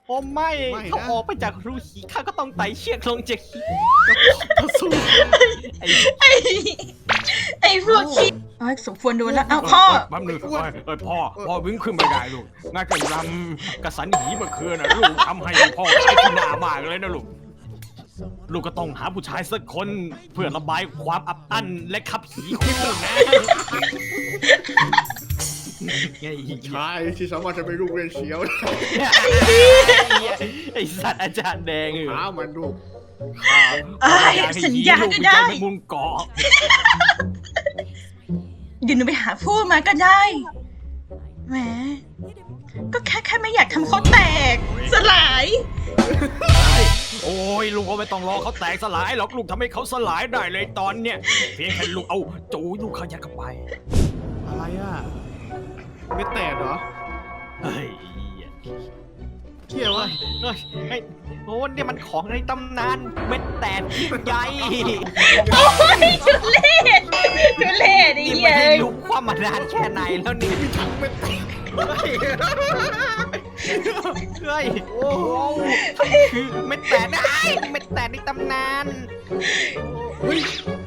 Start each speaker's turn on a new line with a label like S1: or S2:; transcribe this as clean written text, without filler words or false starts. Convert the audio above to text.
S1: โอ้ไม่
S2: ไม่นะ
S1: เขาออกไปจากรูหีข้าก็ต้องไต่เชือกลงจากหี
S2: สู้
S1: ไอ้
S3: ไอ้พวกขี้เอ้ยสมควรโดนแล้วอ้าวพ่อ
S1: แป๊บนึงพ่อวิ่งขึ้นไม่ได้ลูกงานกระยำกระสันหีเมื่อคืนนะลูกทำให้พ่อใช้ที่หน้ามากเลยนะลูกลูกก็ต้องหาผู้ชายสักคนเพื่อระบายความอับอั้นและขับหีของลูกนะไง
S2: ชายที่สามารถจะไปลูกเรียนเสียวได้
S1: ไอสัตว์อาจารย์แดง
S2: หามันลูก
S3: เอ้ยสัญญาก็ได้
S1: มุมเกาะ
S3: เดี๋ยวหนูไปหาพูดมาก็ได้ แหม ก็แค่ไม่อยากทำเขาแตก สลาย
S1: โอ้ยลุงก็ไม่ต้องรอเขาแตกสลายหรอกลุงทำให้เขาสลายได้เลยตอนเนี้ยเพียงแค่ลุงเอาจูลูกเขายัดเข้าไป
S2: อะไรอ่ะไม่แตกเหรอ
S1: เฮ้ย
S2: เที่ยววะ
S1: เฮ้ยโอ้เนี่ยมันของในตำนานเม็ดแตกที่ใหญ่
S3: โอ้ยทุเรศทุเรศไอ้
S1: นี่
S3: เหี้
S1: ไม่
S3: ย
S1: ได้ลุกความมานานแค่ไหนแล้วนี่
S2: ไม่แตก
S1: เฮ้ยโอ้คือเม็ดแตกนะเม็ดแตกในตำนาน
S2: เฮ้ย